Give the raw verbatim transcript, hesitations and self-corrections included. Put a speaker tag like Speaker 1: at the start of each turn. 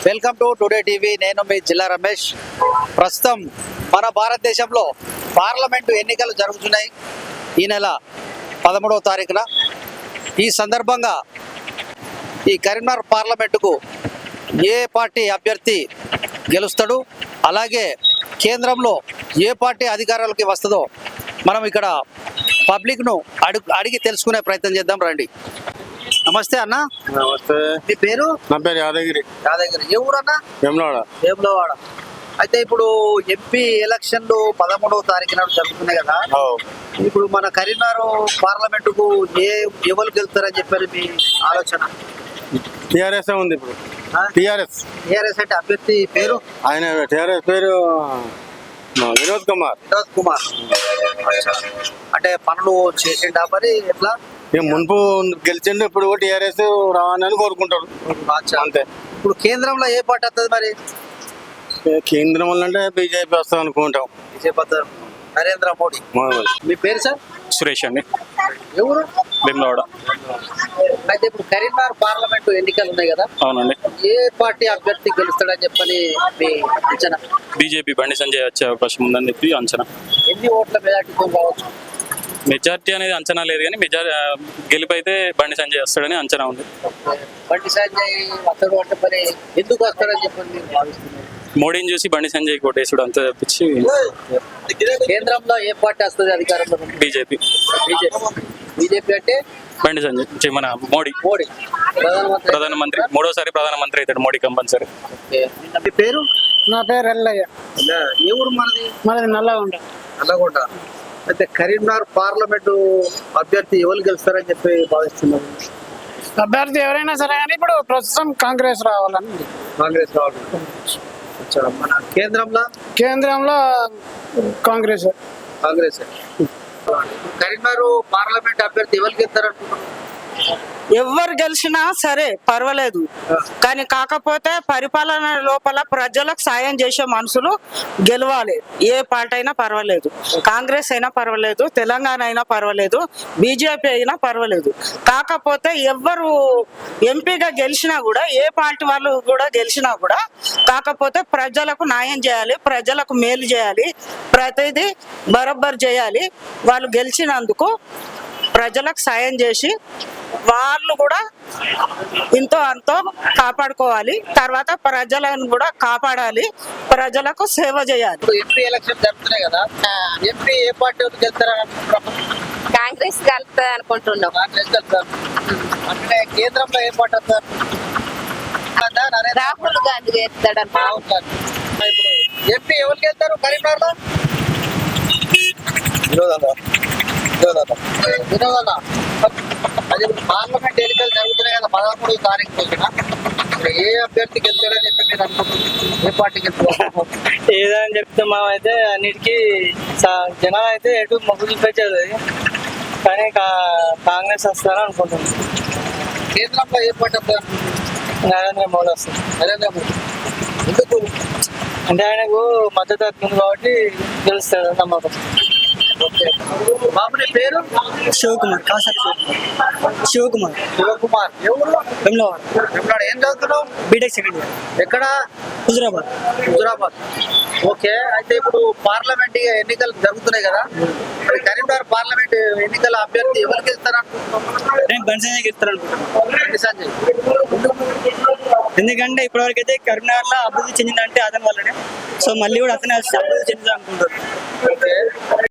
Speaker 1: Welcome to today TV. నేను మీ జిల్లా రమేష్. ప్రస్తుతం మన భారతదేశంలో పార్లమెంటు ఎన్నికలు జరుగుతున్నాయి ఈ నెల పదమూడవ తారీఖున. ఈ సందర్భంగా ఈ కరీంనగర్ పార్లమెంటుకు ఏ పార్టీ అభ్యర్థి గెలుస్తాడు, అలాగే కేంద్రంలో ఏ పార్టీ అధికారాలకి వస్తుందో మనం ఇక్కడ పబ్లిక్ను అడుగు అడిగి తెలుసుకునే ప్రయత్నం చేద్దాం రండి. నమస్తే అన్న.
Speaker 2: నమస్తే.
Speaker 1: మీ పేరు?
Speaker 2: నా పేరు యాదగిరి.
Speaker 1: యాదగిరి. ఏ ఊరు అన్న?
Speaker 2: వేములవాడ.
Speaker 1: వేములవాడ. అయితే ఇప్పుడు ఎంపీ ఎలక్షన్లు పదమూడవ తారీఖు నాడు జరుగుతున్నాయి కదా. ఇప్పుడు మన కరీంనగర్ పార్లమెంటుకు ఏ ఎవరు గెలుస్తారని చెప్పారు మీ ఆలోచన?
Speaker 2: టిఆర్ఎస్ ఉంది ఇప్పుడు. టిఆర్ఎస్
Speaker 1: టిఆర్ఎస్ అంటే అభ్యర్థి పేరు?
Speaker 2: ఆయన టిఆర్ఎస్ పేరు వినోద్ కుమార్.
Speaker 1: వినోద్ కుమార్. అంటే పనులు చేసిండా మరి ఎట్లా?
Speaker 2: మున్పు గెలిచిండు, ఇప్పుడు టిఆర్ఎస్ రావాలని కోరుకుంటారు అంతే.
Speaker 1: ఇప్పుడు కేంద్రంలో ఏ పార్టీ వస్తుంది మరి?
Speaker 2: కేంద్రం అంటే బీజేపీ వస్తాం అనుకుంటాం.
Speaker 1: బీజేపీ, నరేంద్ర మోడీ. మీ పేరు సార్?
Speaker 3: సురేష్ అండి.
Speaker 1: ఎవరు?
Speaker 3: భీమలవాడ.
Speaker 1: అయితే ఇప్పుడు కరీంనగర్ పార్లమెంట్ ఎన్నికలు ఉన్నాయి కదా.
Speaker 3: అవునండి.
Speaker 1: ఏ పార్టీ అభ్యర్థి గెలుస్తాడని చెప్పని మీ అంచనా?
Speaker 3: బీజేపీ బండి సంజయ్ వచ్చే అవకాశం ఉందని చెప్పి అంచనా.
Speaker 1: ఎన్ని ఓట్ల మెజార్టీతో కావచ్చు?
Speaker 3: మెజార్టీ అనేది అంచనా లేదు, కానీ మెజార్ గెలుపు అయితే బండి సంజయ్ వస్తాడని అంచనా ఉంది.
Speaker 1: బండి సంజయ్ వస్తాడు అంటే మరి ఎందుకు వస్తాడని చెప్పని మీరు భావిస్తున్నారు?
Speaker 3: మోడీని చూసి బండి సంజయ్ కోటేసుడు అంతా తప్పించి.
Speaker 1: కేంద్రంలో ఏ పార్టీ వస్తుంది అధికారంలో?
Speaker 3: బీజేపీ.
Speaker 1: బీజేపీ. బీజేపీ అంటే
Speaker 3: బండి సంజయ్ మన మోడీ.
Speaker 1: మోడీ ప్రధానమంత్రి.
Speaker 3: ప్రధానమంత్రి మూడోసారి ప్రధానమంత్రి అవుతాడు మోడీ కంపల్సరీ.
Speaker 1: మీ పేరు?
Speaker 4: నా పేరు ఎల్లయ్య.
Speaker 1: ఏ ఊరు మనది?
Speaker 4: మనది నల్లగొండ.
Speaker 1: నల్లగొండ. అయితే కరీంనగర్ పార్లమెంటు అభ్యర్థి ఎవరు గెలుస్తారని చెప్పి భావిస్తున్నారు?
Speaker 4: అభ్యర్థి ఎవరైనా సరే కానీ ఇప్పుడు ప్రస్తుతం కాంగ్రెస్ రావాలని.
Speaker 1: కాంగ్రెస్ రావాలి. మన కేంద్రంలో?
Speaker 4: కేంద్రంలో కాంగ్రెస్.
Speaker 1: కాంగ్రెస్. కరీంనగర్ పార్లమెంట్ అభ్యర్థి ఎవరు గెలుస్తారంటున్నారు?
Speaker 5: ఎవరు గెలిచినా సరే పర్వాలేదు, కానీ కాకపోతే పరిపాలన లోపల ప్రజలకు సాయం చేసే మనుషులు గెలవాలి. ఏ పార్టీ అయినా పర్వాలేదు, కాంగ్రెస్ అయినా పర్వాలేదు, తెలంగాణ అయినా పర్వాలేదు, బీజేపీ అయినా పర్వాలేదు. కాకపోతే ఎవరు ఎంపీగా గెలిచినా కూడా, ఏ పార్టీ వాళ్ళు కూడా గెలిచినా కూడా, కాకపోతే ప్రజలకు న్యాయం చేయాలి, ప్రజలకు మేలు చేయాలి, ప్రతిదీ బరోబ్బర్ చేయాలి. వాళ్ళు గెలిచినందుకు ప్రజలకు సాయం చేసి వాళ్ళు కూడా ఇంతో అంతో కాపాడుకోవాలి. తర్వాత ప్రజలను కూడా కాపాడాలి, ప్రజలకు సేవ చేయాలి.
Speaker 1: ఎంపీ ఎలక్షన్ జరుగుతున్నాయి కదా, ఎంపీ ఏ పార్టీ గెలుస్తారని అనుకుంటున్నాం?
Speaker 6: కాంగ్రెస్ కలుపుతుంది అనుకుంటున్నాం.
Speaker 1: కాంగ్రెస్ గెలుస్తారు. అంటే కేంద్రంలో ఏ పార్టీ వస్తారు?
Speaker 6: రాహుల్ గాంధీ గెలుస్తాడు అనుకుంటున్నాం.
Speaker 1: ఇప్పుడు ఎంపీ ఎవరు గెలుస్తారు కరీంనగర్ లో? వినోదన్న. అది పార్లమెంట్ ఎన్నికలు జరుగుతున్నాయి కదా పదమూడు తారీఖు రోజున. ఏ అభ్యర్థి గెలుస్తాడని చెప్పి మీరు అనుకుంటున్నారు? ఏ పార్టీ గెలుస్తారు?
Speaker 7: ఏదని చెప్తే మనం అయితే అన్నిటికీ జనం అయితే ఎటు మొగ్గు చూపించేది, కానీ కాంగ్రెస్ వస్తారని అనుకుంటున్నాం.
Speaker 1: కేంద్రంలో ఏ పార్టీ వస్తారు?
Speaker 7: నరేంద్ర మోడీ వస్తుంది.
Speaker 1: నరేంద్ర మోడీ. ఎందుకు?
Speaker 7: అంటే ఆయనకు మద్దతు ఉంది కాబట్టి గెలుస్తాడు నమ్మకం.
Speaker 1: బాబుని పేరు?
Speaker 4: శివకుమార్. కాసారి శివకుమార్.
Speaker 1: శివకుమార్. ఎవరు?
Speaker 4: వెమ్లవాడ.
Speaker 1: వెమ్లవాడ. ఏం చదువుతున్నావు?
Speaker 4: BTech second year.
Speaker 1: ఎక్కడ?
Speaker 4: హుజురాబాద్.
Speaker 1: హుజురాబాద్. ఓకే. అయితే ఇప్పుడు పార్లమెంట్ ఎన్నికలు జరుగుతున్నాయి కదా, మరి కరీంనగర్ పార్లమెంట్ ఎన్నికల అభ్యర్థి ఎవరికి గెలుస్తారు అనుకుంటున్నాం?
Speaker 4: నేను బండి సంజయ్ గెలుస్తాను అనుకుంటున్నాను.
Speaker 1: బండి సంజయ్.
Speaker 4: ఎందుకంటే ఇప్పటివరకు అయితే కరీంనగర్ లో అభివృద్ధి చెందిందంటే అతని వల్లనే. సో మళ్ళీ కూడా అతనే అభివృద్ధి చెందుతా అనుకుంటారు.
Speaker 1: ఓకే.